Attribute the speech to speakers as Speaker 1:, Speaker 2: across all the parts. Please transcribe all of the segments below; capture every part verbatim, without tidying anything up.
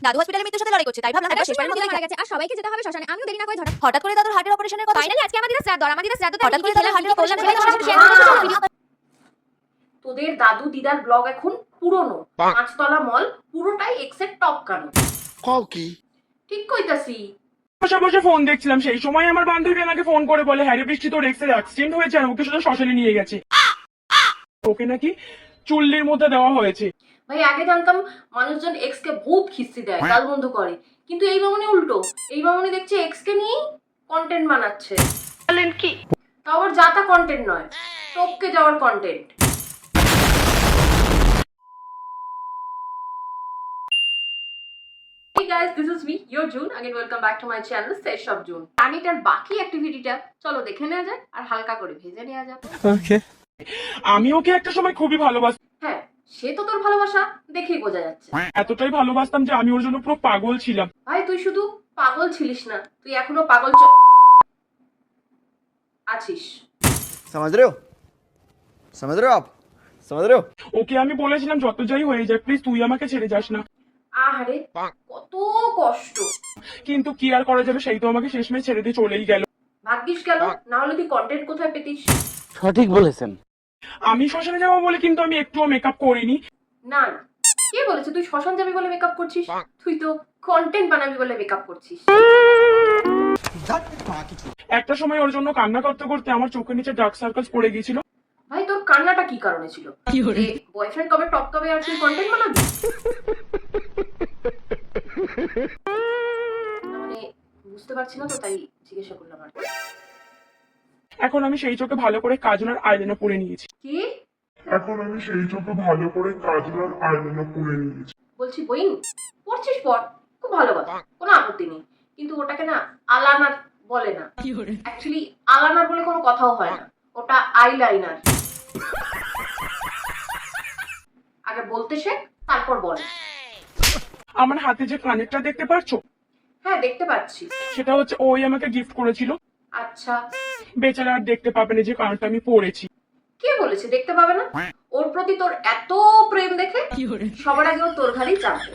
Speaker 1: দাদু হসপিটালে মৃত্যুর সাথে লড়াই করছে, তাই ভাবলাম একবার শেষবারের মতো
Speaker 2: মারা গেছে আর সবাইকে যেতে হবে শ্মশানে। আমিও দেরি না করে ধরা।
Speaker 1: হঠাৎ করে দাদুর হার্টের অপারেশনের কথা।
Speaker 2: ফাইনালি আজকে আমাদের শ্রাদ্ধ, আর আমাদের শ্রাদ্ধ
Speaker 1: হঠাৎ করে দাদুর হার্টের অপারেশন
Speaker 2: করলাম।
Speaker 3: তোদের দাদু দিদার ব্লগ এখন পুরনো, পাঁচতলা মল পুরোটাই এক্সের টপ কানো।
Speaker 4: কও কি
Speaker 3: ঠিক কইতাছি।
Speaker 5: বসে বসে ফোন দেখছিলাম, সেই সময় আমার বান্ধবী আমাকে ফোন করে বলে হ্যারি বৃষ্টি তোর এক্সের অ্যাক্সিডেন্ট হয়েছে আর ওকে শুধু শ্মশানে নিয়ে গেছে, ওকে নাকি চুল্লির মধ্যে দেওয়া হয়েছে।
Speaker 3: ভাই আগে জানতাম মানুষজন এক্স কে ভূত খিস্তি দেয়, গাল বন্ধ করে, কিন্তু এই মামনি উল্টো। এই মামনি দেখছি এক্স কে নিয়ে কন্টেন্ট বানাচ্ছে। বলেন কি? তাও আবার যাতা কন্টেন্ট নয়, টপকে যাওয়ার content. Hey guys, this is me, your June. Again, welcome back to my channel, Sesh of June. রানীটার বাকি অ্যাক্টিভিটিটা চলো দেখে নেওয়া যাক আর হালকা করে ভেজে নেওয়া যাক।
Speaker 5: ওকে, আমি ওকে একটা সময় খুবই ভালোবাসতাম।
Speaker 3: হ্যাঁ, সে তো তোর ভালোবাসা দেখেই বোঝা যাচ্ছে।
Speaker 5: এতটাই ভালোবাসতাম যে আমি ওর জন্য পুরো পাগল ছিলাম।
Speaker 3: ভাই তুই শুধু পাগল ছিলিস না, তুই এখনো পাগল চ আছিস।
Speaker 4: समझ रहे हो समझ रहे हो आप समझ रहे हो
Speaker 5: ওকে আমি বলেছিলাম যত যাই হয়ে যায় প্লিজ তুই আমাকে ছেড়ে যাস না,
Speaker 3: আহারে কত কষ্ট।
Speaker 5: কিন্তু কি আর করা যাবে, সেই তো আমাকে শেষমেশ ছেড়ে দিয়ে চলেই গেল।
Speaker 3: ভাগ্যিস গেল, না হলে তুই কন্টেন্ট কোথায় পেতিস?
Speaker 6: সঠিক বলেছেন।
Speaker 5: আমি শ্মশানে যাবো বলে কিন্তু আমি একটুও মেকআপ করিনি।
Speaker 3: না না, কে বলেছে তুই শ্মশান যাবি বলে মেকআপ করছিস? তুই তো কন্টেন্ট বানাবি বলে মেকআপ করছিস।
Speaker 5: একটা সময় ওর জন্য কান্না করতে করতে আমার চোখের নিচে ডার্ক সার্কেলস পড়ে গিয়েছিল।
Speaker 3: ভাই তোর কান্নাটা কি কারণে ছিল? বয়ফ্রেন্ড কবে টপ কবে আর তুই কন্টেন্ট বানাবি? মানে বুঝতে পারছি না তো, তাই জিজ্ঞাসা করলাম আর।
Speaker 5: এখন আমি সেই চোখে ভালো করে কাজল আর আইলাইনার পরে নিয়েছি।
Speaker 3: কি
Speaker 5: এখন আমি সেই চোখে ভালো করে কাজল আর আইলাইনার পরে নিয়েছি।
Speaker 3: বলছি বইন পড়ছিস পর, খুব ভালো কথা, কোনো আপত্তি নেই, কিন্তু ওটাকে না আলানার বলে না। অ্যাকচুয়ালি আলানার বলে কোনো কথাও হয় না, ওটা আইলাইনার। আগে বলতে শেখ, তারপর বল।
Speaker 5: আমার হাতে যে কানেরটা দেখতে পাচ্ছো,
Speaker 3: হ্যাঁ দেখতে পাচ্ছি।
Speaker 5: সেটা হচ্ছে ওই আমাকে গিফট করেছিল।
Speaker 3: আচ্ছা,
Speaker 5: বেচারা আর দেখতে পাবে না যে কানেরটা আমি পরেছি।
Speaker 3: কে বলেছে দেখতে পাবে না? ওর প্রতি তোর এত প্রেম দেখে সবার আগে ও তোর ঘাড়েই চাপবে।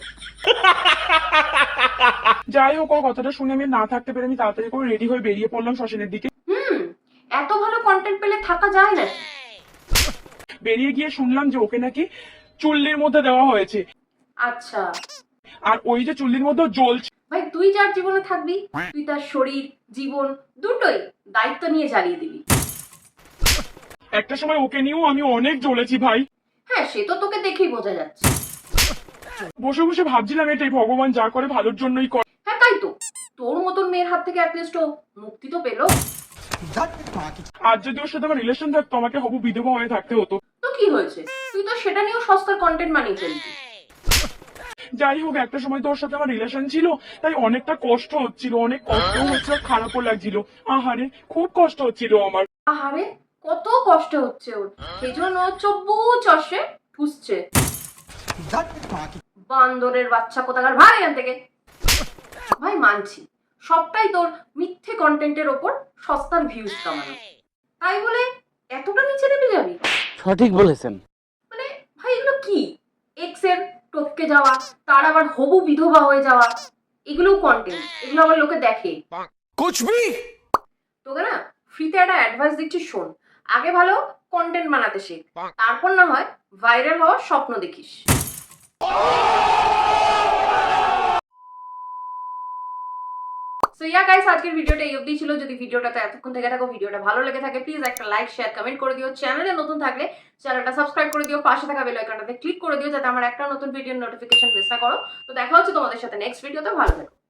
Speaker 5: যাই হোক, ওর কথাটা শুনে আমি না থাকতে পেরে আমি তাড়াতাড়ি করে রেডি হয়ে বেরিয়ে পড়লাম শ্মশানের দিকে।
Speaker 3: হুম, এত ভালো কন্টেন্ট পেলে থাকা যায় না।
Speaker 5: বেরিয়ে গিয়ে শুনলাম যে ওকে নাকি চুল্লির মধ্যে দেওয়া হয়েছে,
Speaker 3: আচ্ছা
Speaker 5: আর ওই যে চুল্লির মধ্যে জ্বলছে।
Speaker 3: ভাই তুই যার জীবনে থাকবি, তুই তার শরীর জীবন দুটোই দায়িত্ব নিয়ে জ্বালিয়ে দিবি।
Speaker 5: একটা সময় ওকে নিয়েও আমি অনেক জ্বলেছি ভাই।
Speaker 3: হ্যাঁ সে তো তোকে দেখেই বোঝা যাচ্ছে।
Speaker 5: বসে বসে ভাবছিলাম এটাই ভগবান যা করে ভালোর জন্যই করে।
Speaker 3: হ্যাঁ তাই তো, তোর মতন মেয়ের হাত থেকে অ্যাটলিস্ট ও মুক্তি তো পেলো।
Speaker 5: আর যদি ওর সাথে আমার রিলেশন থাকতো আমাকে হবু বিধবা হয়ে থাকতে হতো।
Speaker 3: তো কি হয়েছে, তুই তো সেটা নিয়েও সস্তার কন্টেন্ট বানিয়ে ফেলবি।
Speaker 5: যাই হোক, একটা সময় তো ওর সাথে আমার রিলেশন ছিল, তাই অনেকটা কষ্ট হচ্ছিল, অনেক কষ্ট হচ্ছিল, খারাপও লাগছিল। আহারে খুব কষ্ট হচ্ছিল আমার।
Speaker 3: আহারে কত কষ্ট হচ্ছে ওর, সেই জন্য চব্বু চষে ঠুসছে। বান্দরের বাচ্চা কোথাকার, ভাই এখান থেকে। ভাই মানছি সবটাই তোর মিথ্যে কন্টেন্টের ওপর সস্তার ভিউজ কামানো, তাই বলে এতটা নিচে নেমে যাবি?
Speaker 6: সঠিক বলেছেন।
Speaker 3: মানে ভাই এগুলো কি? এক্স এর টপকে যাওয়া, তার আবার হবু বিধবা হয়ে যাওয়া, এগুলোও কন্টেন্ট, এগুলো আবার লোকে দেখে।
Speaker 4: कुछ भी
Speaker 3: তোকে না ফ্রিতে একটা অ্যাডভাইস দিচ্ছি, শোন। আগে ভালো কন্টেন্ট বানাতে শেখ, তারপর না হয় ভাইরাল হওয়ার স্বপ্ন দেখিস। সো ইয়া গাইস, আজকের ভিডিওটা এই অবধি ছিল। যদি ভিডিওটাতে এতক্ষণ থেকে থাকো, ভিডিওটা ভালো লেগে থাকে, প্লিজ একটা লাইক শেয়ার কমেন্ট করে দিও। চ্যানেলে নতুন থাকলে চ্যানেলটা সাবস্ক্রাইব করে দিও, পাশে থাকা বেল আইকনটাতে ক্লিক করে দিও যাতে আমার একটা নতুন ভিডিওর নোটিফিকেশন মিস না করো। তো দেখা হচ্ছে তোমাদের সাথে নেক্সট ভিডিওতে, ভালো থেকো।